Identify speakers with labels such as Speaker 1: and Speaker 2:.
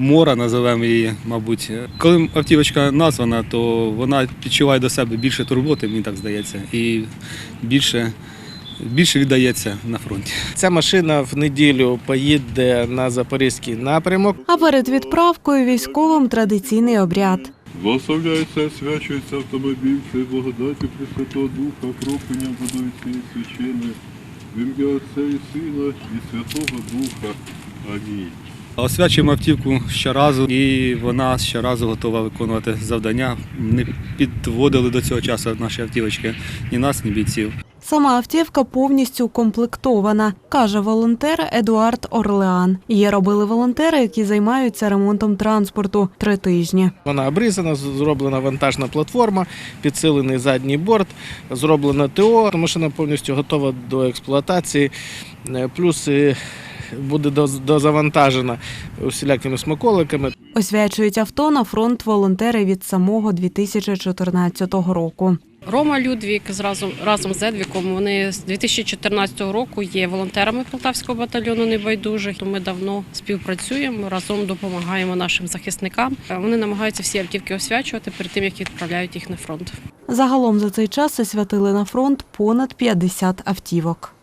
Speaker 1: мора, називаємо її, мабуть. Коли автівочка названа, то вона відчуває до себе більше турботи, мені так здається, і більше віддається на фронті.
Speaker 2: Ця машина в неділю поїде на Запорізький напрямок.
Speaker 3: А перед відправкою військовим традиційний обряд.
Speaker 4: Благословляється, освячується автомобіль, цей благодаті Пресвятого Духа, кропленням водою цієї священи, в ім'я Отця і Сина і Святого Духа. Амінь.
Speaker 1: Освячуємо автівку щоразу, і вона щоразу готова виконувати завдання. Не підводили до цього часу наші автівочки ні нас, ні бійців.
Speaker 3: Сама автівка повністю укомплектована, каже волонтер Едуард Орлеан. Її робили волонтери, які займаються ремонтом транспорту 3 тижні.
Speaker 2: Вона обрізана, зроблена вантажна платформа, підсилений задній борт, зроблено ТО. Машина повністю готова до експлуатації, плюс буде дозавантажена усілякими смаколиками.
Speaker 3: Освячують авто на фронт волонтери від самого 2014 року.
Speaker 5: Рома Людвік разом з Едвіком, вони з 2014 року є волонтерами Полтавського батальйону «Небайдужих». Ми давно співпрацюємо, разом допомагаємо нашим захисникам. Вони намагаються всі автівки освячувати перед тим, як відправляють їх на фронт.
Speaker 3: Загалом за цей час освятили на фронт понад 50 автівок.